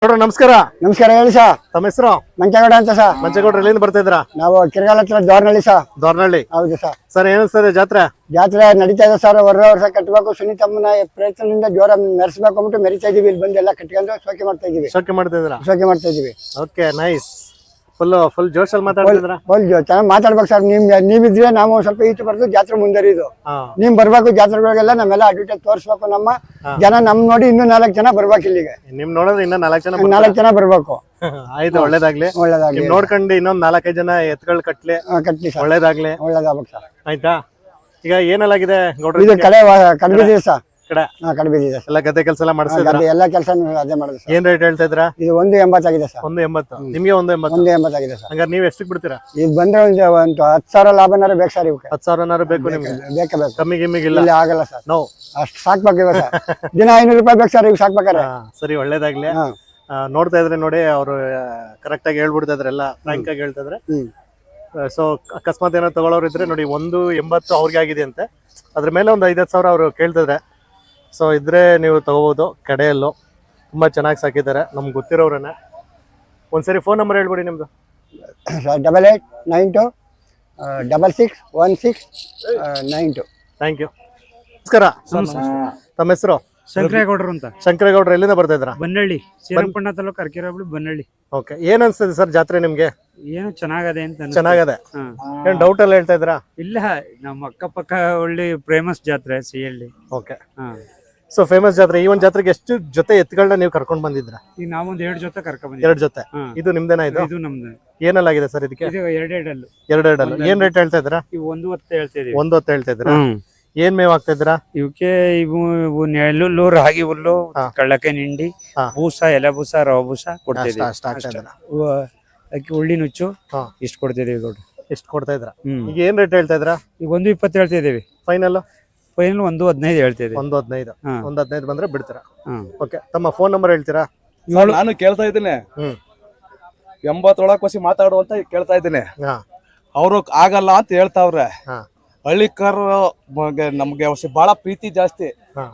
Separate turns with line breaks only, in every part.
ನೋಡ್ರ ನಮಸ್ಕಾರ.
ನಮಸ್ಕಾರ ಹೇಳಿ ಸಾ.
ತಮ್ಮ ಹೆಸರು?
ಮಂಚೇಗೌಡ ಅಂತ ಸಾ.
ಮಂಚೇಗೌಡ್ರ ಎಲ್ಲಿಂದ ಬರ್ತಾ ಇದ್ರ?
ನಾವು ಕಿರಗಾಲ ಹತ್ರ ದೋರ್ನಳ್ಳಿ ಸಾ.
ದೋರ್ನಳ್ಳಿ.
ಹೌದು ಸಾ.
ಸರ್ ಏನಿಸ್ತದೆ ಜಾತ್ರೆ?
ಜಾತ್ರೆ ನಡೀತಾ ಇದೆ ಸರ್. ವರ್ಷ ಕಟ್ಟಬೇಕು. ಸುನೀತಮ್ಮನ ಪ್ರಯತ್ನದಿಂದ ಜೋರ ಮೆರೆಸ್ಬೇಕು ಅಂದ್ಬಿಟ್ಟು ಮೆರಿತಾ ಇದೀವಿ. ಇಲ್ಲಿ ಬಂದು ಎಲ್ಲ ಕಟ್ಕೊಂಡು ಶೋಕಿ ಮಾಡ್ತಾ ಇದೀವಿ.
ಶೋಕಿ ಮಾಡ್ತಾ ಇದ್ರ?
ಶೋಕಿ ಮಾಡ್ತಾ ಇದೀವಿ.
Okay, nice. ಫುಲ್ ಜೋಶಲ್ಲಿ ಮಾತಾಡ್ತಿದ್ರ?
ಚೆನ್ನಾಗಿ ಮಾತಾಡ್ಬೇಕು ಸರ್. ನೀವಿದ್ರೆ ನಾವು ಒಂದ್ ಸ್ವಲ್ಪ ಈಚೆ ಬರ್ದು ಜಾತ್ರೆ ಮುಂದರಿದು. ನೀವ್ ಬರ್ಬೇಕು ಜಾತ್ರೆಗಳಿಗೆಲ್ಲ. ನಮ್ಮೆಲ್ಲ ಅಡ್ವರ್ಟೈಸ್ ತೋರಿಸ್ಬೇಕು. ನಮ್ಮ ಜನ ನಮ್ ನೋಡಿ ಇನ್ನೂ 4 ಜನ ಬರ್ಬೇಕು ಇಲ್ಲಿಗೆ.
ನಿಮ್ ನೋಡಿದ್ರೆ ಇನ್ನ 4 ಜನ
4 ಜನ ಬರ್ಬೇಕು.
ಆಯ್ತು, ಒಳ್ಳೇದಾಗ್ಲಿ.
ಒಳ್ಳೇದಾಗ್ಲಿ.
ನೋಡ್ಕೊಂಡು ಇನ್ನೊಂದ್ 4-5 ಜನ ಎತ್ಗಳು ಕಟ್ಲಿ.
ಸರ್
ಒಳ್ಳೇದಾಗ್ಲಿ.
ಒಳ್ಳೇದಾಗ್ಬೇಕು ಸರ್.
ಆಯ್ತಾ? ಈಗ ಏನೆಲ್ಲಾಗಿದೆ ಗೌಡ್ರ?
ಇದು ಕಡೆ ಕಡ್ಬಿದ್ದೀವಿ ಸರ್.
ಕಡ್ಬಿದ್ದೀವಿ. ಎಲ್ಲ ಗದ್ದೆ ಕೆಲಸ ಎಲ್ಲ ಮಾಡಿಸಿದ್ರ?
ಎಲ್ಲ ಕೆಲಸ ಅದೇ ಮಾಡಿದ್ವಿ ಸರ್.
ಏನ್ ರೇಟ್ ಹೇಳ್ತಾ ಇದ್ರ?
ಇದು 180 ಆಗಿದೆ ಸರ್.
180. ನಿಮ್ಗೆ 180?
180 ಆಗಿದೆ ಸರ್.
ಹಂಗಾರೆ ನೀವ್ ಎಷ್ಟಕ್ಕೆ ಬಿಡ್ತೀರಾ?
ಈಗ ಬಂದ್ರೆ ಒಂದು 10,000 ಲಾಭನಾರು ಬೇಕು ಸರ್. ಇವಕ್ಕೆ
10,000 ಬೇಕು ನಿಮ್ಗೆ?
ಬೇಕೇ ಬೇಕು.
ಕಮ್ಮಿ ಗಿಮ್ಮಿಗಿಲ್ಲ?
ಇಲ್ಲ, ಆಗಲ್ಲ ಸರ್.
ನೋ,
ಅಷ್ಟು ಸಾಕ್ಬೇಕು ಇವಾಗ ಸರ್. ದಿನ 500 ರೂಪಾಯಿ ಬೇಕು ಸರ್ ಈಗ ಸಾಕ್ಬೇಕಾರೆ.
ಸರಿ, ಒಳ್ಳೇದಾಗ್ಲಿ. ನೋಡ್ತಾ ಇದ್ರೆ ನೋಡಿ, ಅವರು ಕರೆಕ್ಟ್ ಆಗಿ ಹೇಳ್ಬಿಡ್ತಾ ಇದ್ರೆ, ಎಲ್ಲ ಫ್ರಾಂಕ್ ಆಗಿ ಹೇಳ್ತಾ ಇದ್ರೆ. ಸೊ ಅಕಸ್ಮಾತ್ ಏನೋ ತಗೊಳ್ಳೋರು ಇದ್ರೆ ನೋಡಿ, 180 ಅವ್ರಿಗೆ ಆಗಿದೆ ಅಂತೆ. ಅದ್ರ ಮೇಲೆ ಒಂದು 5-10 ಸಾವಿರ ಅವರು ಕೇಳ್ತಿದ್ರೆ. ಸೊ ಇದ್ರೆ ನೀವು ತಗೋಬಹುದು. ಕಡೆಯಲ್ಲೂ ತುಂಬಾ ಚೆನ್ನಾಗಿ ಸಾಕಿದ್ದಾರೆ, ನಮ್ಗೆ ಗೊತ್ತಿರೋರನ್ನ. ಒಂದ್ಸರಿ ಫೋನ್ ನಂಬರ್ ಹೇಳ್ಬಿಡಿ ನಿಮ್ದು.
8892 661692.
Thank you. ನಮಸ್ಕಾರ. ತಮ್ಮ ಹೆಸರು?
ಶಂಕರೇಗೌಡರು ಅಂತ.
ಶಂಕರೇಗೌಡರು ಎಲ್ಲಿಂದ ಬರ್ತಾ ಇದ್ರ?
ಬನ್ನಳ್ಳಿ, ಶ್ರೀರಂಗಪಟ್ಟಣ ತಾಲೂಕು, ಅರಕೆರೆ ಬನ್ನಳ್ಳಿ.
ಓಕೆ, ಏನ್ ಅನ್ಸ್ತದೆ ಸರ್ ಜಾತ್ರೆ ನಿಮ್ಗೆ?
ಏನು ಚೆನ್ನಾಗದೆ ಅಂತ ಅನ್ಸುತ್ತೆ.
ಚೆನ್ನಾಗದೆ. ಏನ್ ಡೌಟ್ ಎಲ್ಲ ಹೇಳ್ತಾ ಇದ್ರಾ?
ಇಲ್ಲ, ನಮ್ಮ ಅಕ್ಕಪಕ್ಕ ಒಳ್ಳೆ ಫೇಮಸ್ ಜಾತ್ರೆ ಸಿಹಳ್ಳಿ.
ಓಕೆ. ಸೊ ಫೇಮಸ್ ಜಾತ್ರೆ. ಈ ಒಂದ್ ಜಾತ್ರೆಗೆ ಎಷ್ಟು ಜೊತೆ ಎತ್ತುಗಳನ್ನ ನೀವು ಕರ್ಕೊಂಡ್ ಬಂದಿದ್ರ?
ಈಗ ನಾವೊಂದ್ 2 ಜೊತೆ ಕರ್ಕೊಂಡ್ ಬಂದಿದ್ದೀವಿ.
2 ಜೊತೆ. ಇದು ನಿಮ್ದೇನಾ? ಇದು
ನಮ್ದು.
ಏನೆಲ್ಲಾಗಿದೆ ಸರ್ ಇದಕ್ಕೆ?
ಇದು 2
2 ಏನ್ ರೇಟ್ ಹೇಳ್ತಾ ಇದ್ರ?
ಇವು 1 ಹೊತ್ತು ಹೇಳ್ತಾ ಇದೀವಿ.
1 ಹೊತ್ತು ಹೇಳ್ತಾ ಇದ್ರ? ಏನ್ ಮೇವ್ ಆಗ್ತಾ ಇದ್ರ?
ಇವಕ್ಕೆ ಇವು ನೆಲ್ಲುಲ್ಲು, ರಾಗಿ ಹುಲ್ಲು, ಕಳ್ಳಕೆ ನಿಂಡಿ, ಬೂಸ, ಎಲೆ ಬೂಸ, ರವ ಬೂಸ ಕೊಡ್ತಿದೀವಿ. ಅಕ್ಕಿ ಉಳ್ಳಿ ನುಚ್ಚು ಇಷ್ಟು ಕೊಡ್ತಿದೀವಿ ಗೌಡ್ರು.
ಎಷ್ಟು ಕೊಡ್ತಾ ಇದ್ರ? ಈಗ ಏನ್ ರೇಟ್ ಹೇಳ್ತಾ ಇದ್ರ?
ಈಗ 120 ಹೇಳ್ತಾ ಇದೀವಿ.
ಫೈನಲ್
115 ಹೇಳ್ತಿದೀವಿ.
115. 115 ಬಂದ್ರೆ ಬಿಡ್ತೀರಾ? ಓಕೆ. ತಮ್ಮ ಫೋನ್ ನಂಬರ್ ಹೇಳ್ತೀರಾ?
ನಾನು ಕೇಳ್ತಾ ಇದ್ದೀನಿ. 80 ಒಳಗೆ ಮಾತಾಡು ಅಂತ ಕೇಳ್ತಾ ಇದ್ದೀನಿ. ಅವರು ಆಗಲ್ಲ ಅಂತ ಹೇಳ್ತಾವ್ರೆ. ಹಳ್ಳಿಕರು ನಮ್ಗೆ ಬಹಳ ಪ್ರೀತಿ ಜಾಸ್ತಿ.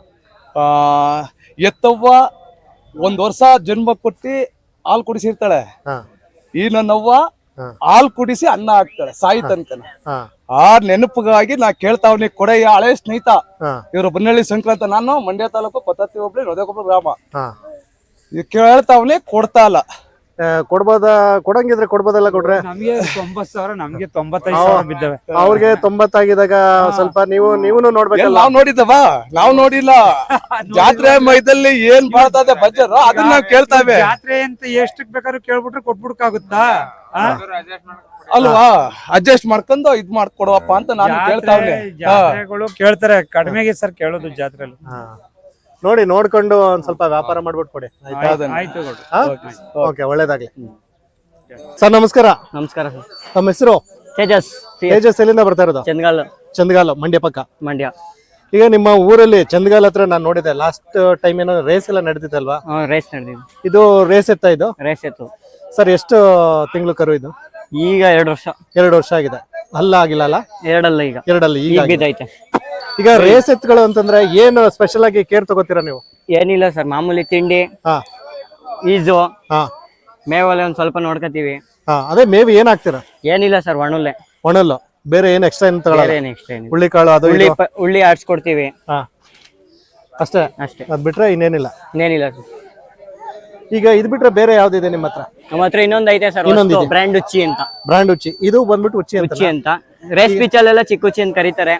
ಎತ್ತವ್ವ 1 ವರ್ಷ ಜನ್ಮ ಕೊಟ್ಟಿ ಹಾಲು ಕುಡಿಸಿರ್ತಾಳೆ. ಈ ನನ್ನವ್ವ ಹಾಲು ಕುಡಿಸಿ ಅನ್ನ ಹಾಕ್ತಾಳೆ ಸಾಯಿ ತನಕನ. ಆ ನೆನಪಿಗಾಗಿ ನಾ ಕೇಳ್ತಾವ್ನಿ. ಕೊಡೆಯ ಹಳೆ ಸ್ನೇಹಿತ ಇವರು ಬನ್ನಳ್ಳಿ ಸಂಕ್ರಾಂತ. ನಾನು ಮಂಡ್ಯ ತಾಲೂಕು ಪತ್ತತ್ತಿ ಹೋಬಳಿ ನೊದೆಕೊಪ್ಪಲು ಗ್ರಾಮ. ಕೇಳ್ತಾವ್ನಿ, ಕೊಡ್ತಾ ಇಲ್ಲ.
ಕೊಡಂಗಿದ್ರೆ ಕೊಡ್ಬೋದಲ್ಲ ಕೊಡ್ರೆ?
ನಮ್ಗೆ 90,000, ನಮ್ಗೆ 95,000 ಬಿದ್ದವೆ.
ಅವ್ರಿಗೆ 90 ಆಗಿದಾಗ ಸ್ವಲ್ಪ ನೀವು ನೋಡ್ಬೇಕಲ್ಲ.
ನಾವ್ ನೋಡಿಲ್ಲ. ಜಾತ್ರೆ ಮೈದಲ್ಲಿ ಏನ್ ಮಾಡ್ತದೆ ಬಜ್ಜರು ಅದನ್ನ ನಾವ್ ಕೇಳ್ತಾವೆ.
ಜಾತ್ರೆ ಅಂತ ಎಷ್ಟಕ್ ಬೇಕಾದ್ರೂ ಕೇಳ್ಬಿಟ್ರೆ ಕೊಟ್ಬಿಡ್ಕಾಗುತ್ತಾ
ಅಲ್ವಾ? ಅಡ್ಜಸ್ಟ್ ಮಾಡ್ಕೊಂಡು ಇದ್ ಮಾಡ್ಕೊಡುವಪ್ಪ ಅಂತ ನಾನು ಕೇಳ್ತಾವ್ನಿ.
ಜಾತ್ರೆಗಳು ಕೇಳ್ತಾರೆ, ಕಡಿಮೆಗೆ ಸರ್ ಕೇಳೋದು ಜಾತ್ರೆಲಿ.
ನೋಡಿ, ನೋಡ್ಕೊಂಡು ಒಂದ್ ಸ್ವಲ್ಪ ವ್ಯಾಪಾರ ಮಾಡ್ಬಿಟ್ಟು ಕೊಡಿ.
ಆಯ್ತು.
ಓಕೆ, ಒಳ್ಳೇದಾಗ್ಲಿ. ಸರ್ ನಮಸ್ಕಾರ.
ನಮಸ್ಕಾರ ಸರ್.
ತಮ್ಮ ಹೆಸರು?
ತೇಜಸ್.
ಎಲ್ಲಿಂದ ಬರ್ತಾ ಇರೋದು? ಚಂದಗಾಲ, ಮಂಡ್ಯ ಪಕ್ಕ.
ಮಂಡ್ಯ.
ಈಗ ನಿಮ್ಮ ಊರಲ್ಲಿ ಚಂದಗಾಲ ಹತ್ರ ನಾನು ನೋಡಿದೆ, ಲಾಸ್ಟ್ ಟೈಮ್ ಏನೋ ರೇಸ್ ಎಲ್ಲ ನಡೀತಿತ್ತಲ್ವಾ?
ರೇಸ್ ನಡೆದಿದೆ.
ಇದು ರೇಸ್ ಎತ್ತ? ಇದು
ರೇಸ್ ಎತ್ತು
ಸರ್. ಎಷ್ಟು ತಿಂಗಳು ಕರು ಇದು?
ಈಗ 2 ವರ್ಷ.
2 ವರ್ಷ ಆಗಿದೆ. ಅಲ್ಲ ಆಗಿಲ್ಲ ಅಲ್ಲ?
2 ಅಲ್ಲ, ಈಗ
2 ಅಲ್ಲ, ಈಗ
ಬಿದ್ದೈತೆ.
ಈಗ ರೇಸ್ ಎತ್ಗಳು ಅಂತಂದ್ರೆ ಏನು ಸ್ಪೆಷಲ್ ಆಗಿ ಕೇರ್ ತಗೋತೀರಾ ನೀವು?
ಏನಿಲ್ಲ ಸರ್, ಮಾಮೂಲಿ ತಿಂಡಿ, ಈಜು, ಮೇವಲ್ಲಿ ಒಂದ್ ಸ್ವಲ್ಪ ನೋಡ್ಕೋತೀವಿ.
ಅದೇ ಮೇವು ಏನ್ ಹಾಕ್ತೀರಾ?
ಏನಿಲ್ಲ ಸರ್,
ಒಣಲ್ಲು. ಬೇರೆ ಏನ್ ಎಕ್ಸ್ಟ್ರಾ ಏನ್ ತಗೊಳ್ಳಲ್ಲ? ಹುಳ್ಳಿ ಕಾಳು, ಅದು
ಉಳ್ಳಿ ಆಡ್ಸ್ಕೊಡ್ತೀವಿ
ಅಷ್ಟೇ. ಅದ್ ಬಿಟ್ರೆ ಇನ್ನೇನಿಲ್ಲ?
ಇನ್ನೇನಿಲ್ಲ ಸರ್.
ಈಗ ಇದ್ ಬಿಟ್ರೆ ಬೇರೆ ಯಾವ್ದಿದೆ ನಿಮ್ಮ ಹತ್ರ?
ನಮ್ಮ ಹತ್ರ ಇನ್ನೊಂದ್ ಐತೆ ಸರ್, ಬ್ರ್ಯಾಂಡ್ ಉಚ್ಚಿ ಅಂತ.
ಬ್ರ್ಯಾಂಡ್ ಉಚ್ಚಿ. ಇದು ಬಂದ್ಬಿಟ್ಟು ಉಚ್ಚಿ
ಅಂತ. ರೇಸ್ ಪಿಚ್ ಅಲ್ಲೆಲ್ಲ ಚಿಕ್ಕ ಉಚ್ಚಿ ಅಂತ ಕರೀತಾರೆ.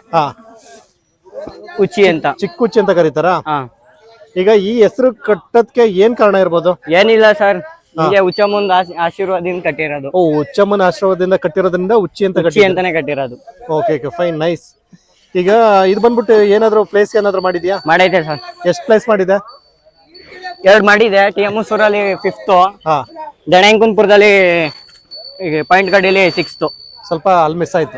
ಉಚ್ಚಿ ಅಂತ,
ಚಿಕ್ಕ ಉಚ್ಚಿ ಅಂತ ಕರೀತಾರ. ಈಗ ಈ ಹೆಸರು ಕಟ್ಟೋದಕ್ಕೆ ಏನ್ ಕಾರಣ ಇರ್ಬೋದು?
ಏನಿಲ್ಲ ಸರ್, ಹೀಗೆ ಉಚ್ಚಮ್ಮನ ಆಶೀರ್ವಾದದಿಂದ ಕಟ್ಟಿರೋದು.
ಉಚ್ಚಮ್ಮನ ಆಶೀರ್ವಾದದಿಂದ ಕಟ್ಟಿರೋದ್ರಿಂದ ಉಚ್ಚಿ ಅಂತಾನೆ
ಕಟ್ಟಿರೋದು.
Okay, fine, nice. ಈಗ ಇದು ಬಂದ್ಬಿಟ್ಟು ಏನಾದ್ರು ಪ್ಲೇಸ್ ಏನಾದ್ರು ಮಾಡಿದ್ಯಾ?
ಮಾಡೈತೆ ಸರ್.
ಎಷ್ಟು ಪ್ಲೇಸ್ ಮಾಡಿದೆ?
2 ಮಾಡಿದೆ. ಟಿಎಮ್ಸೂರಲ್ಲಿ 5th, ದಣೆಂಕುನ್ಪುರದಲ್ಲಿ ಪಾಯಿಂಟ್ ಗಡಿಯಲ್ಲಿ 6th.
ಸ್ವಲ್ಪ ಅಲ್ಲಿ ಮಿಸ್ ಆಯ್ತು.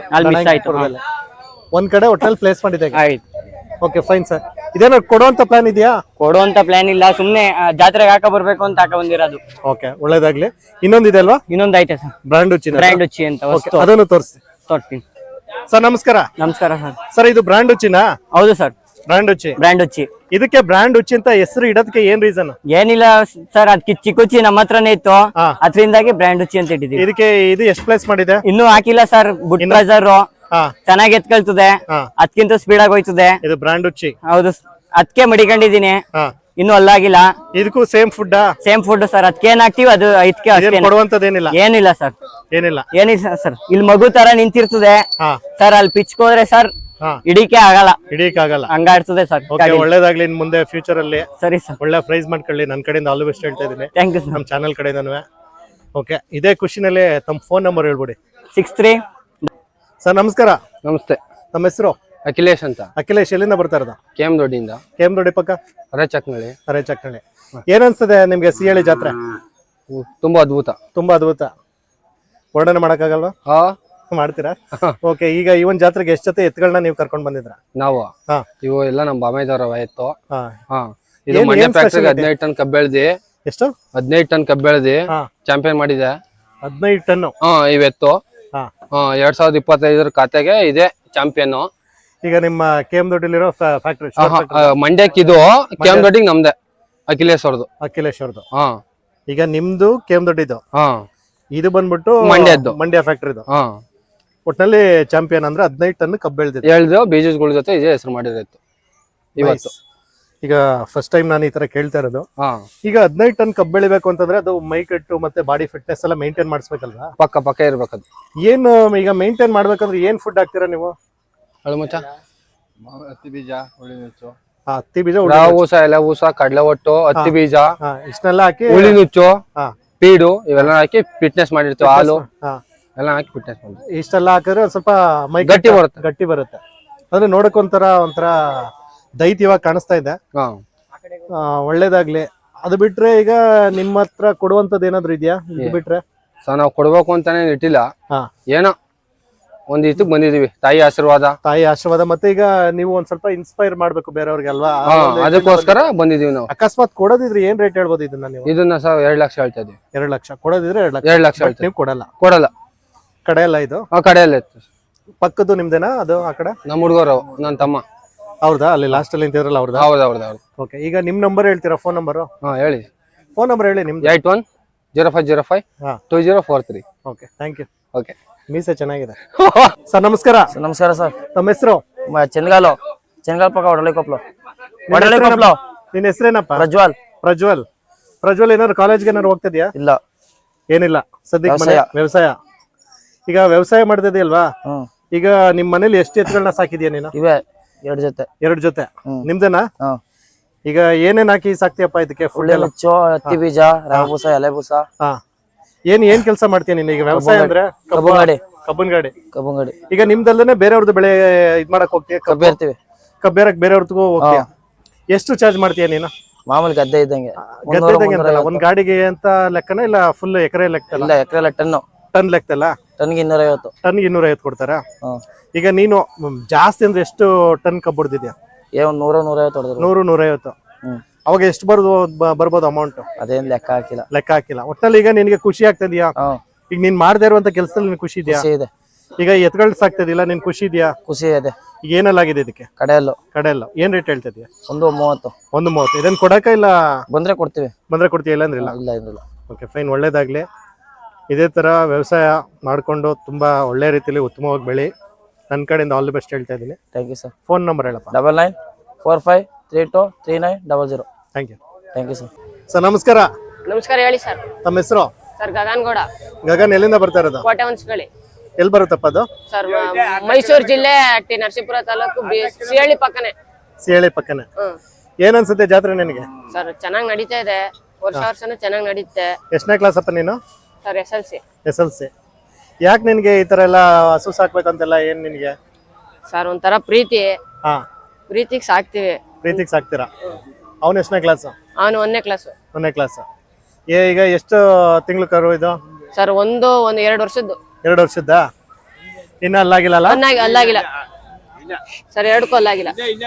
ಒಂದ್ ಕಡೆ ಒಟ್ಟಲ್ಲಿ ಪ್ಲೇಸ್ ಮಾಡಿದೆ. Okay, fine sir. ಇದೇನೋ ಕೊಡುವಂತ ಪ್ಲಾನ್ ಇದೆಯಾ?
ಕೊಡುವಂತ ಪ್ಲಾನ್ ಇಲ್ಲ, ಸುಮ್ನೆ ಜಾತ್ರೆಗೆ ಹಾಕ ಬರ್ಬೇಕು ಅಂತ ಹಾಕ ಬಂದಿರೋದು.
ಓಕೆ, ಒಳ್ಳೇದಾಗ್ಲಿ. ಇನ್ನೊಂದಿದೆ ಅಲ್ವಾ?
ಇನ್ನೊಂದ್ ಐತೆ ಸರ್,
ಬ್ರ್ಯಾಂಡ್ ಉಚ್ಚಿ
ಅಂತ.
ಅದನ್ನು ತೋರಿಸ್ತೀನಿ
ತೋರಿಸ್ತೀನಿ
ಸರ್. ನಮಸ್ಕಾರ.
ನಮಸ್ಕಾರ ಸರ್.
ಸರ್, ಇದು ಬ್ರ್ಯಾಂಡ್ ಉಚ್ಚಿನಾ?
ಹೌದು ಸರ್.
ಬ್ರ್ಯಾಂಡ್ ಉಚ್ಚಿ.
ಬ್ರ್ಯಾಂಡ್ ಉಚ್ಚಿ.
ಇದಕ್ಕೆ ಬ್ರ್ಯಾಂಡ್ ಉಚ್ಚಿ ಅಂತ ಹೆಸರು ಇಡೋದಕ್ಕೆ ಏನ್ ರೀಸನ್?
ಏನಿಲ್ಲ ಸರ್, ಅದಕ್ಕೆ ಚಿಕ್ಕುಚ್ಚಿ ನಮ್ಮ ಹತ್ರನೇ ಇತ್ತು,
ಹಾ.
ಅದರಿಂದಾಗಿ ಬ್ರ್ಯಾಂಡ್ ಉಚ್ಚಿ ಅಂತ ಇಟ್ಟಿದ್ದೀವಿ.
ಇದಕ್ಕೆ ಇದು ಎಷ್ಟು ಪ್ಲೇಸ್ ಮಾಡಿದೆ?
ಇನ್ನೂ ಹಾಕಿಲ್ಲ ಸರ್, ಬುಟ್ ಪ್ರೆಸರ್
ಹಾ
ಚೆನ್ನಾಗಿ ಎತ್ಕೊಳ್ತದೆ,
ಹಾ.
ಅದಕ್ಕಿಂತ ಸ್ಪೀಡ್ ಆಗಿ ಹೋಯ್ತದೆ.
ಇದು ಬ್ರ್ಯಾಂಡ್ ಉಚ್ಚಿ.
ಹೌದು, ಅದಕ್ಕೆ ಮಡಿಕೊಂಡಿದೀನಿ,
ಹಾ.
ಇನ್ನೂ ಅಲ್ಲಾಗಿಲ್ಲ.
ಇದಕ್ಕೂ same food?
Same food sir, ಅದಕ್ಕೆ ಏನ್ ಹಾಕ್ತಿವಿ ಅದು ಇದಕ್ಕೆ ಅಷ್ಟೇ.
ಕೊಡುವಂತದೇನಿಲ್ಲ?
ಏನಿಲ್ಲ ಸರ್,
ಏನಿಲ್ಲ.
ಏನಿಲ್ಲ ಸರ್. ಇಲ್ಲಿ ಮಗು ತರ ನಿಂತಿರ್ತದೆ
ಹಾ
ಸರ್, ಅಲ್ಲಿ ಪಿಚ್ಕೋದ್ರೆ ಸರ್
ಹಾ
ಹಿಡಿಕೆ ಆಗಲ್ಲ,
ಹಿಡಿಯಕ್ಕಾಗಲ್ಲ.
ಹಂಗಾಡ್ತದೆ ಸರ್.
ಓಕೆ, ಒಳ್ಳೇದಾಗ್ಲಿ ಇನ್ ಮುಂದೆ ಫ್ಯೂಚರ್ ಅಲ್ಲಿ.
ಸರಿ ಸರ್,
ಒಳ್ಳೆ ಪ್ರೈಸ್ ಮಾಡ್ಕೊಳ್ಳಿ. ನನ್ನ ಕಡೆಯಿಂದ ಆಲ್ ದಿ ಬೆಸ್ಟ್ ಹೇಳ್ತಾ ಇದೀನಿ,
ಥ್ಯಾಂಕ್ ಯು ಸರ್.
ನಮ್ಮ ಚಾನಲ್ ಕಡೆಯಿಂದನೂ. ಓಕೆ, ಇದೇ ಖುಷಿನಲ್ಲಿ ತಮ್ಮ ಫೋನ್ ನಂಬರ್ ಹೇಳ್ಬಿಡಿ.
63.
ಸರ್ ನಮಸ್ಕಾರ.
ನಮಸ್ತೆ.
ನಮ್ಮ ಹೆಸರು?
ಅಖಿಲೇಶ್ ಅಂತ.
ಅಖಿಲೇಶ್, ಎಲ್ಲಿಂದ ಬರ್ತಾ ಇರೋದು?
ಕೆಎಂ ದೊಡ್ಡಿಯಿಂದ.
ಕೆಎಂ ದೊಡ್ಡಿ ಪಕ್ಕ
ಅರೆಚಕ್ನಳ್ಳಿ.
ಅರೆಚಕ್ನಳ್ಳಿ. ಏನ್ ಅನ್ಸ್ತದೆ ನಿಮ್ಗೆ ಸಿಹಳ್ಳಿ ಜಾತ್ರೆ?
ತುಂಬಾ ಅದ್ಭುತ.
ತುಂಬಾ ಅದ್ಭುತ. ವರ್ಣನೆ ಮಾಡಕ್ಕಾಗಲ್ವಾ?
ಹಾ,
ಮಾಡ್ತೀರಾ? ಓಕೆ, ಈಗ ಈ ಒಂದ್ ಜಾತ್ರೆಗೆ ಎಷ್ಟು ಜೊತೆ ಎತ್ತುಗಳನ್ನ ನೀವು ಕರ್ಕೊಂಡ್ ಬಂದಿದ್ರ?
ನಾವು
ಹಾ
ಇವು ಎಲ್ಲ ನಮ್ಮ ಬಾಮೈದವರ ಎತ್ತು.
ಹಾ.
ಹಾ, ಇದು
ಏನ್-
ಮಂಡ್ಯ
ಏನ್
ಫ್ಯಾಕ್ಟ್ರಿಗೆ
specialty?
15 ಟನ್ ಕಬ್ಬೆಳ್ದಿ.
ಎಷ್ಟು?
15 ಟನ್ ಕಬ್ಬೆಳ್ದಿ
ಹಾ.
ಚಾಂಪಿಯನ್ ಮಾಡಿದೆ.
15 ಟನ್.
ಹಾ, ಇವೆತ್ತು
ಹಾ.
2025 ಖಾತೆಗೆ ಇದೆ ಚಾಂಪಿಯನ್.
ಈಗ ನಿಮ್ಮ ಕೆಎಂ ದೊಡ್ಡಿಲಿರೋ ಫ್ಯಾಕ್ಟ್ರಿ
ಮಂಡ್ಯಕ್ಕಿದು ಕೆಎಂ ದೊಡ್ಡಿಗೆ ನಮ್ದೆ, ಅಖಿಲೇಶ್ ಅವ್ರದ್ದು.
ಅಖಿಲೇಶ್ ಅವ್ರದ್ದು.
ಹಾ
ಈಗ ನಿಮ್ದು ಕೆಎಂ ದೊಡ್ಡಿದು,
ಹಾ
ಇದು ಬಂದ್ಬಿಟ್ಟು
ಮಂಡ್ಯದ್ದು.
ಮಂಡ್ಯ ಫ್ಯಾಕ್ಟ್ರಿದು.
ಹಾ,
ಒಟ್ನಲ್ಲಿ ಚಾಂಪಿಯನ್ ಅಂದ್ರೆ 15 ಟನ್ ಕಬ್ಬು ಬೆಳೆದಿದೆ.
ಹೇಳ್ದು ಬೀಜಗಳ ಜೊತೆ ಇದೇ ಹೆಸರು ಮಾಡಿರತ್ತು ಇವತ್ತು.
ಈಗ ಫಸ್ಟ್ ಟೈಮ್ ನಾನು ಈ ತರ ಕೇಳ್ತಾ ಇರೋದು.
ಹಾ,
ಈಗ 15 ಟನ್ ಕಬ್ಬು ಬೆಳಿಬೇಕು ಅಂತಂದ್ರೆ ಅದು ಮೈ ಕಟ್ಟು ಮತ್ತೆ ಬಾಡಿ ಫಿಟ್ನೆಸ್ ಎಲ್ಲ ಮೇಂಟೈನ್ ಮಾಡಿಸ್ಬೇಕಲ್ವಾ?
ಪಕ್ಕ ಇರ್ಬೇಕದು.
ಏನು ಈಗ ಮೇಂಟೈನ್ ಮಾಡ್ಬೇಕಂದ್ರೆ ಏನ್ ಫುಡ್ ಹಾಕ್ತೀರಾ ನೀವು?
ಅಳುಮುಚ್ಚ,
ಹತ್ತಿ ಬೀಜ, ಹುಳಿ ನುಚ್ಚು,
ಹತ್ತಿ ಬೀಜ,
ಊಸ, ಎಲೆ ಊಸ, ಕಡಲೆ ಒಟ್ಟು, ಹತ್ತಿ ಬೀಜ,
ಇಷ್ಟನ್ನೆಲ್ಲ ಹಾಕಿ
ಹುಳಿ ನುಚ್ಚು,
ಹಾ.
ಪೀಡು ಇವೆಲ್ಲ ಹಾಕಿ ಫಿಟ್ನೆಸ್ ಮಾಡಿರ್ತೀವಿ. ಹಾಲು
ಹಾ.
ಎಲ್ಲ ಹಾಕಿ ಫಿಟ್ನೆಸ್ ಮಾಡಿರ್ತೀವಿ.
ಇಷ್ಟೆಲ್ಲ ಹಾಕಿದ್ರೆ ಒಂದ್ ಸ್ವಲ್ಪ ಮೈ
ಗಟ್ಟಿ ಬರುತ್ತೆ.
ಗಟ್ಟಿ ಬರುತ್ತೆ. ಅಂದ್ರೆ ನೋಡಕ್ ಒಂಥರ ದೈತ್ಯವಾಗಿ ಕಾಣಿಸ್ತಾ ಇದೆ.
ಹಾ,
ಒಳ್ಳೇದಾಗ್ಲಿ. ಅದು ಬಿಟ್ರೆ ಈಗ ನಿಮ್ಮ ಹತ್ರ ಕೊಡುವಂತದ್ದು ಏನಾದ್ರು ಇದೆಯಾ? ಇದು ಬಿಟ್ರೆ
ನಾವು ಕೊಡ್ಬೇಕು ಅಂತಾನೆ ಇಟ್ಟಿಲ್ಲ.
ಹಾ.
ಏನೋ ಒಂದ್ ಇದಕ್ ಬಂದಿದೀವಿ, ತಾಯಿ ಆಶೀರ್ವಾದ.
ತಾಯಿ ಆಶೀರ್ವಾದ. ಮತ್ತೆ ಈಗ ನೀವು ಒಂದ್ ಸ್ವಲ್ಪ ಇನ್ಸ್ಪೈರ್ ಮಾಡ್ಬೇಕು ಬೇರೆಯವ್ರಿಗೆ ಅಲ್ವಾ?
ಹಾ, ಅದಕ್ಕೋಸ್ಕರ ಬಂದಿದೀವಿ ನಾವು.
ಅಕಸ್ಮಾತ್ ಕೊಡೋದಿದ್ರೆ ಏನ್ ರೇಟ್ ಹೇಳ್ಬೋದು ಇದನ್ನ ನೀವು?
ಇದನ್ನ 2 ಲಕ್ಷ ಹೇಳ್ತಾ ಇದೀವಿ.
2 ಲಕ್ಷ ಕೊಡೋದಿದ್ರೆ 2 ಲಕ್ಷ.
2 ಲಕ್ಷ
But
ಹೇಳ್ತೀವಿ.
ನೀವು ಕೊಡಲ್ಲ? ಕಡೆ ಅಲ್ಲ ಇದು?
ಆ ಕಡೆಯಲ್ಲ ಇತ್ತು.
ಪಕ್ಕದ್ದು ನಿಮ್ದೇನಾ ಅದು? ಆ ಕಡೆ
ನಮ್ಮ ಹುಡುಗರು, ನನ್ನ ತಮ್ಮ.
ಹೌದಾ? ಅಲ್ಲಿ ಲಾಸ್ಟ್ ಅಲ್ಲಿ ನಿಂತಿದ್ರಲ್ಲ ಅವ್ರದ್ದು?
ಹೌದೌದು.
ಓಕೆ, ಈಗ ನಿಮ್ ನಂಬರ್ ಹೇಳ್ತೀರಾ? Phone number?
ಹಾ, ಹೇಳಿ.
ಫೋನ್ ನಂಬರ್ ಹೇಳಿ ನಿಮ್ದು.
810505
ಹಾ.
2043.
Okay, thank you.
ಓಕೆ.
ಮೀಸೆ ಚೆನ್ನಾಗಿದೆ. ಸರ್ ನಮಸ್ಕಾರ.
ನಮಸ್ಕಾರ ಸರ್.
ತಮ್ಮ ಹೆಸರು?
ಚೆನ್ಗಾಲ್ ಪಕ್ಕ ಒಡಲೆ ಕೊಪ್ಲು.
ನಿನ್ನ ಹೆಸರೇನಪ್ಪ?
ಪ್ರಜ್ವಲ್.
ಪ್ರಜ್ವಲ್ ಏನಾದ್ರು ಕಾಲೇಜ್ಗೆ ಏನಾದ್ರು ಹೋಗ್ತಿದ್ಯಾ?
ಇಲ್ಲ,
ಏನಿಲ್ಲ, ಸದ್ಯಕ್ಕೆ ಮನೆ ವ್ಯವಸಾಯ. ಈಗ ವ್ಯವಸಾಯ ಮಾಡ್ತಿದ್ಯಲ್ವಾ? ಈಗ ನಿಮ್ ಮನೇಲಿ ಎಷ್ಟು ಎತ್ತುಗಳನ್ನ ಸಾಕಿದ್ಯಾ ನೀನು?
ಇವೆ 2 ಜೊತೆ.
2 ಜೊತೆ. ನಿಮ್ದೇನಾ? ಈಗ ಏನೇನ್ ಹಾಕಿ ಸಾಕ್ತಿಯಪ್ಪ ಇದಕ್ಕೆ? ಫುಡ್ ಎಲ್ಲ?
ನುಚ್ಚು, ಹತ್ತಿ ಬೀಜ, ರವೆ ಬೂಸ, ಎಲೆ ಬೂಸ.
ಹಾ. ಏನ್ ಕೆಲಸ ಮಾಡ್ತೀಯ ನೀನು? ಈಗ ವ್ಯವಸಾಯ ಅಂದ್ರೆ ಕಬ್ಬನ್ ಗಾಡಿ. ಈಗ ನಿಮ್ದಲ್ಲೇ ಬೇರೆಯವ್ರದ್ದು ಬೆಳೆ ಇದ್ ಮಾಡಕ್ ಹೋಗ್ತೀಯ?
ಕಬ್ಬು ಇರ್ತೀವಿ,
ಕಬ್ಬೇರಕ್ ಬೇರೆಯವ್ರದ್ದು ಹೋಗ್ತೀಯ? ಎಷ್ಟು ಚಾರ್ಜ್ ಮಾಡ್ತೀಯ ನೀನು?
ಮಾಮೂಲಿ ಗದ್ದೆ ಇದ್ದಂಗೆ.
ಗದ್ದೆ ಇದ್ದಂಗೆ ಅಂತಲ್ಲ, ಒಂದ್ ಗಾಡಿಗೆ ಅಂತ ಲೆಕ್ಕನ ಇಲ್ಲ ಫುಲ್ ಎಕರೆ ಲೆಕ್ಕ?
ಇಲ್ಲ, ಎಕರೆ ಟನ್ನು.
ಟನ್ ಲೆಕ್ಕಲ್ಲ?
ಟನ್ಗೆ 250.
ಟನ್ಗೆ 250 ಕೊಡ್ತಾರಾ? ಈಗ ನೀನು ಜಾಸ್ತಿ ಅಂದ್ರೆ ಎಷ್ಟು ಟನ್ ಕಬ್ಬು ಹೊಡೆದಿದ್ಯಾ?
100-150 ಹೊಡೆದ್ರು.
100-150. ಅವಾಗ ಎಷ್ಟು ಬರ್ಬೋದು ಅಮೌಂಟ್?
ಅದೇನ್ ಲೆಕ್ಕ ಹಾಕಿಲ್ಲ.
ಒಟ್ಟಲ್ಲಿ ಈಗ ನಿನ್ಗೆ ಖುಷಿ ಆಗ್ತದ್ಯಾ? ಈಗ ನೀನ್ ಮಾಡದೇ ಇರುವಂತ ಕೆಲಸದಲ್ಲಿ ನಿನ್ ಖುಷಿ ಇದೆಯಾ?
ಇದೆ.
ಈಗ ಎತ್ಗಳು ಸಾಕ್ತದಿಲ್ಲ, ನಿನ್ ಖುಷಿ ಇದೆಯಾ?
ಖುಷಿ ಇದೆ.
ಈಗ ಏನೆಲ್ಲಾಗಿದೆ ಇದಕ್ಕೆ?
ಕಡೆಯಲ್ಲ.
ಏನ್ ರೇಟ್ ಹೇಳ್ತಿದ್ಯಾ?
130.
130. ಇದನ್ನ ಕೊಡಕ ಇಲ್ಲ?
ಬಂದ್ರೆ ಕೊಡ್ತೀವಿ.
ಬಂದ್ರೆ ಕೊಡ್ತೀಯ, ಇಲ್ಲ ಅಂದ್ರೆ ಇಲ್ಲ?
ಇಲ್ಲ.
Okay, fine. ಒಳ್ಳೇದಾಗ್ಲಿ. ಇದೇ ತರ ವ್ಯವಸಾಯ ಮಾಡ್ಕೊಂಡು ತುಂಬಾ ಒಳ್ಳೆ ರೀತಿಯಲ್ಲಿ ಉತ್ತಮವಾಗಿ ಬೆಳಿ. ನನ್ನ ಕಡೆಯಿಂದ ಆಲ್ ದಿ ಬೆಸ್ಟ್ ಹೇಳ್ತಾ ಇದ್ದೀನಿ.
Thank you sir.
Phone number ಹೇಳಪ್ಪ.
9945323900.
Thank you
sir.
ಸರ್ ನಮಸ್ಕಾರ.
ನಮಸ್ಕಾರ, ಹೇಳಿ ಸರ್.
ನಮ್ಮ ಹೆಸರು?
ಸರ್ ಗಗನ್ಗೌಡ.
ಗಗನ್, ಎಲ್ಲಿಂದ ಬರ್ತಾ ಇರೋದು?
ಕೋಟೆ ಹೊನ್ಸ್ಕಳಿ.
ಎಲ್ಲಿ ಬರುತ್ತಪ್ಪ ಅದು?
ಸರ್ ಮೈಸೂರು ಜಿಲ್ಲೆ ಟಿ ನರಸೀಪುರ ತಾಲೂಕು ಸಿಹಳ್ಳಿ ಪಕ್ಕನೆ.
ಸಿಹಳ್ಳಿ ಪಕ್ಕನೆ. ಏನ್ ಅನ್ಸುತ್ತೆ ಜಾತ್ರೆ ನಿನಗೆ?
ಸರ್ ಚೆನ್ನಾಗಿ ನಡೀತಾ ಇದೆ, ವರ್ಷನೂ ಚೆನ್ನಾಗಿ ನಡೀತೆ.
ಎಷ್ಟನೇ ಕ್ಲಾಸ್ ಅಪ್ಪ ನೀನು?
Sir SLC.
SLC. ಯಾಕೆ ನಿನ್ಗೆ ಈ ತರ ಎಲ್ಲ ಹಸು ಸಾಕ್ಬೇಕಂತೆಲ್ಲ ಏನ್ ನಿನ್ಗೆ?
ಸರ್ ಒಂಥರ ಪ್ರೀತಿ.
ಹಾ,
ಪ್ರೀತಿಗೆ ಸಾಕ್ತಿವಿ.
ಪ್ರೀತಿಗೆ ಸಾಕ್ತೀರಾ? ಅವನು ಎಷ್ಟನೇ ಕ್ಲಾಸ್?
ಅವನು 1ನೇ ಕ್ಲಾಸ್.
1ನೇ ಕ್ಲಾಸ್. ಈಗ ಎಷ್ಟು ತಿಂಗಳು ಕರು ಇದು?
ಸರ್ ಒಂದು 2 ವರ್ಷದ್ದು.
2 ವರ್ಷದ್ದಾ? ಇನ್ನ ಅಲ್ಲಾಗಿಲ್ಲ?
ಅಲ್ಲಾಗಿಲ್ಲ ಸರ್, 2ಕ್ಕೂ ಅಲ್ಲಾಗಿಲ್ಲ.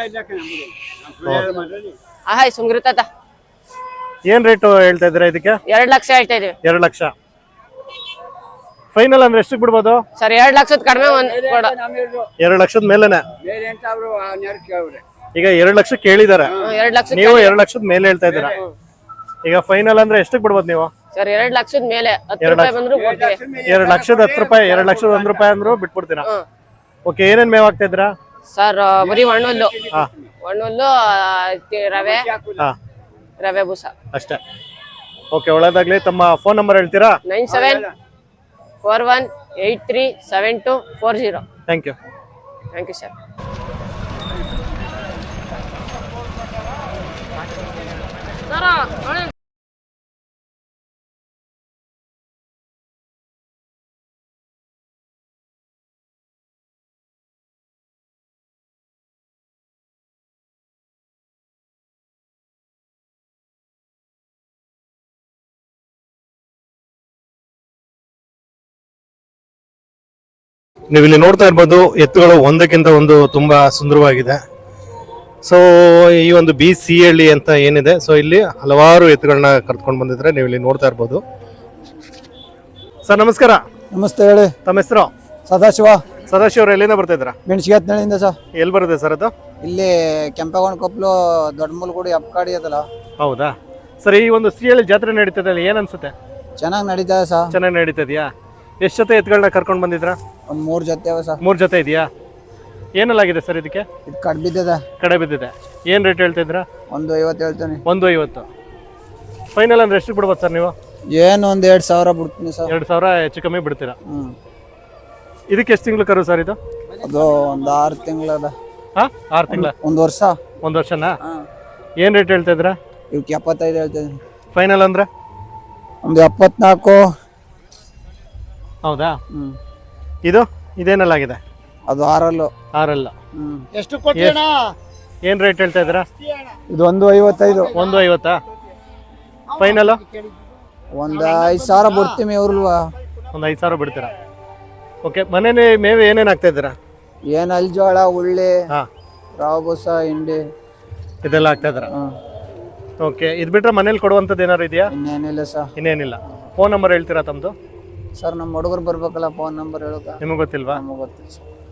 ಆಯ್ ಸುಮ್ಗಿರು ತಾತ.
ಏನ್ ರೇಟು ಹೇಳ್ತಾ ಇದ್ದೀರಾ ಇದಕ್ಕೆ?
2 ಲಕ್ಷ ಹೇಳ್ತಾ ಇದೀವಿ.
2 ಲಕ್ಷ. ಫೈನಲ್ ಅಂದ್ರೆ ಎಷ್ಟಕ್ಕೆ ಬಿಡ್ಬೋದು?
ಸರ್ 2 ಲಕ್ಷದ ಕಡಿಮೆ 2
ಲಕ್ಷದ ಮೇಲೆನೆ. ಈಗ 2 ಲಕ್ಷ ಕೇಳಿದಾರೆ,
2 ಲಕ್ಷ
ನೀವು 2 ಲಕ್ಷದ ಮೇಲೆ ಹೇಳ್ತಾ ಇದ್ದೀರಾ. ಈಗ ಫೈನಲ್ ಅಂದ್ರೆ ಎಷ್ಟಕ್ಕೆ ಬಿಡ್ಬೋದು ನೀವು?
ಸರ್ 2 ಲಕ್ಷದ ಮೇಲೆ 10 ರೂಪಾಯಿ ಬಂದ್ರು ಕೊಡ್ತೀವಿ.
2 ಲಕ್ಷದ 10 ರೂಪಾಯಿ, 2 ಲಕ್ಷದ 1 ರೂಪಾಯಿ ಅಂದ್ರು ಬಿಟ್ಬಿಡ್ತೀರಾ? ಓಕೆ, ಏನೇನ್ ಮೇವ್ ಆಗ್ತಾ ಇದ್ದೀರಾ?
ಸರ್ ಬರೀ ಒಣ್ಣುಲ್ಲು, ರವೆ, ರವೆ ಬೂಸ
ಅಷ್ಟೇ. ಓಕೆ, ಒಳ್ಳೇದಾಗ್ಲಿ. ತಮ್ಮ ಫೋನ್ ನಂಬರ್ ಹೇಳ್ತೀರಾ?
9741837240.
Thank you.
Thank you sir.
ನೀವು ಇಲ್ಲಿ ನೋಡ್ತಾ ಇರ್ಬೋದು, ಎತ್ತುಗಳು ಒಂದಕ್ಕಿಂತ ಒಂದು ತುಂಬಾ ಸುಂದರವಾಗಿದೆ. ಸೊ ಈ ಒಂದು BCHಳ್ಳಿ ಅಂತ ಏನಿದೆ, ಸೊ ಇಲ್ಲಿ ಹಲವಾರು ಎತ್ತುಗಳನ್ನ ಕರ್ಕೊಂಡು ಬಂದಿದ್ರೆ ನೀವು ಇಲ್ಲಿ ನೋಡ್ತಾ ಇರ್ಬೋದು. ಸರ್ ನಮಸ್ಕಾರ.
ನಮಸ್ತೆ, ಹೇಳಿ.
ತಮ್ಮ ಹೆಸರು?
ಸದಾಶಿವ.
ಸದಾಶಿವ ಅವ್ರು ಎಲ್ಲಿಂದ ಬರ್ತಾ ಇದ್ರ?
ಮೆಣಸಿಗೆತ್ನಳ್ಳಿಯಿಂದ ಸರ್.
ಎಲ್ಲಿ ಬರುತ್ತೆ ಸರ್ ಅದು?
ಇಲ್ಲಿ ಕೆಂಪೇಗೌಡ ಕೊಪ್ಪಲು ದೊಡ್ಡ ಮೂಲಗುಡಿ ಅಪ್ಕಾಡಿ ಅದಲ್ಲ.
ಹೌದಾ ಸರ್. ಈ ಒಂದು CHಳ್ಳಿ ಜಾತ್ರೆ ನಡೀತದೆ, ಏನ್ ಅನ್ಸುತ್ತೆ?
ಚೆನ್ನಾಗಿ ನಡೀತಾ ಇದೆ ಸರ್.
ಚೆನ್ನಾಗಿ ನಡೀತದ್ಯಾ? ಎಷ್ಟು ಜೊತೆ ಎತ್ತುಗಳನ್ನ ಕರ್ಕೊಂಡು ಬಂದಿದ್ರ?
ಒಂದು 3 ಜೊತೆ ಅವ ಸರ್.
3 ಜೊತೆ ಇದೆಯಾ? ಏನಲ್ಲಾಗಿದೆ ಸರ್ ಇದಕ್ಕೆ?
ಇದು ಕಡ್ ಬಿದ್ದದ.
ಕಡೆ ಬಿದ್ದಿದೆ. ಏನ್ ರೇಟ್ ಹೇಳ್ತಾ ಇದ್ರ?
150 ಹೇಳ್ತೀನಿ.
150. ಫೈನಲ್ ಅಂದ್ರೆ ಎಷ್ಟು ಬಿಡ್ಬೋದು ಸರ್ ನೀವು?
ಏನು ಒಂದು 2,000 ಬಿಡ್ತೀನಿ ಸರ್.
2,000 ಹೆಚ್ಚು ಕಮ್ಮಿ ಬಿಡ್ತೀರಾ? ಇದಕ್ಕೆ ಎಷ್ಟು ತಿಂಗಳು ಕರು ಸರ್ ಇದು?
ಅದು ಒಂದು 6 ತಿಂಗಳದ.
6 ತಿಂಗಳ?
1 ವರ್ಷ.
1 ವರ್ಷನಾ? ಏನ್ ರೇಟ್ ಹೇಳ್ತಾ ಇದ್ರ?
ಇವಕ್ಕೆ 75 ಹೇಳ್ತೀನಿ.
ಫೈನಲ್ ಅಂದ್ರೆ
ಒಂದು 74.
ಹೌದಾ? ಇದು ಇದೇನಲ್ಲಾಗಿದೆ?
ಅದು 6
6
ಎಷ್ಟು ಕೊಟ್ಟಿಣ?
ಏನ್ ರೇಟ್ ಹೇಳ್ತಾ ಇದ್ರ?
ಇದು 155.
150. ಫೈನಲ್
ಒಂದು 5,000 ಬಿಡ್ತೀವಿ ಇವ್ರಲ್ವಾ?
ಒಂದು 5,000 ಬಿಡ್ತೀರಾ? ಓಕೆ. ಮನೇಲಿ ಮೇವು ಏನೇನ್ ಹಾಕ್ತಾ ಇದ್ದೀರಾ?
ಏನು ಅಲ್ಜೋಳ, ಉಳ್ಳಿ,
ಹಾ,
ರವೆ ಬೂಸ, ಹಿಂಡಿ
ಇದೆಲ್ಲ ಹಾಕ್ತಾ ಇದ್ದೀರಾ? ಓಕೆ. ಇದು ಬಿಟ್ರೆ ಮನೇಲಿ ಕೊಡುವಂಥದ್ದು ಏನಾರು ಇದೆಯಾ?
ಇನ್ನೇನಿಲ್ಲ ಸರ್.
ಇನ್ನೇನಿಲ್ಲ. ಫೋನ್ ನಂಬರ್ ಹೇಳ್ತೀರಾ ತಮ್ಮದು?
ಸರ್ ನಮ್ಮ ಹುಡುಗರು ಬರ್ಬೇಕಲ್ಲ, ಫೋನ್ ನಂಬರ್ ಹೇಳೋಕೆ
ನಿಮಗೆ ಗೊತ್ತಿಲ್ವಾ?
ನಮಗೆ ಗೊತ್ತಿಲ್ಲ ಸರ್.